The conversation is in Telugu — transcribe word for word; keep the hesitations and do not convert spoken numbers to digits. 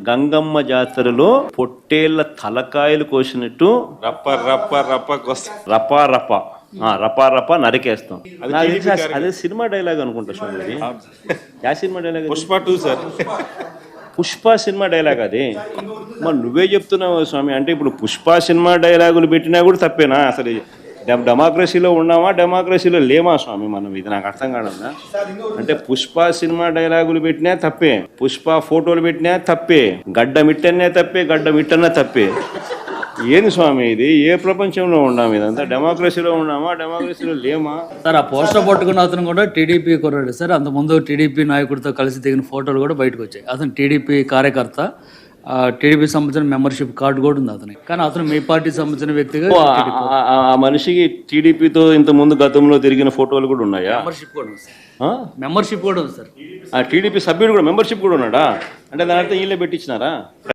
గంగమ్మ జాతరలో పొట్టేళ్ల తలకాయలు కోసినట్టు రప్ప రప్ప రప్ప కోస్తా రపా రపా ఆ, రపా రపా నరికేస్తాం. నాకు తెలిసి అస- అదే సినిమా డైలాగ్ అనుకుంటా స్వామి అది. యా సినిమా డైలాగ్ అది? Pushpa two sir. Pushpa cinema dialogue అది. మరి నువ్వే చెప్తున్నావు స్వామి. అంటే ఇప్పుడు పుష్ప సినిమా డైలాగులు పెట్టినా కూడా తప్పేనా? అసలు డెమ్ డెమోక్రసీలో ఉన్నామా డెమోక్రసీలో లేమా స్వామి మనం? ఇది నాకు అర్థం కాదన్నా. అంటే పుష్ప సినిమా డైలాగులు పెట్టినా తప్పే, పుష్ప ఫోటోలు పెట్టినా తప్పే, గడ్డ మిట్టనే తప్పే, గడ్డ మిట్టనే తప్పే. ఏంది స్వామి ఇది? ఏ ప్రపంచంలో ఉన్నాము? ఇదంతా డెమోక్రసీలో ఉన్నామా డెమోక్రసీలో లేమా? సార్ ఆ పోస్టర్ పట్టుకున్న అతను కూడా టీడీపీ కుర్రాడు సార్. అంతకుముందు టీడీపీ నాయకుడితో కలిసి దిగిన ఫోటోలు కూడా బయటకు వచ్చాయి. అతను టీడీపీ కార్యకర్త, టీడీపీ సంబంధించిన మెంబర్షిప్ కార్డు కూడా ఉంది అతనికి. కానీ అతను మీ పార్టీకి సంబంధించిన వ్యక్తిగా ఓ, ఆ- ఆ- ఆ మనిషికి టీడీపీతో ఇంత ముందు గతంలో తిరిగిన ఫోటోలు కూడా ఉన్నాయా? మెంబర్షిప్ కూడా ఉంది సార్. ఆ? మెంబర్షిప్ కూడా ఉంది సార్. ఆ టీడీపీ సభ్యుడు కూడా మెంబర్షిప్ కూడా ఉన్నాడా? అంటే దాని అర్థం వీళ్ళే పెట్టించినారా?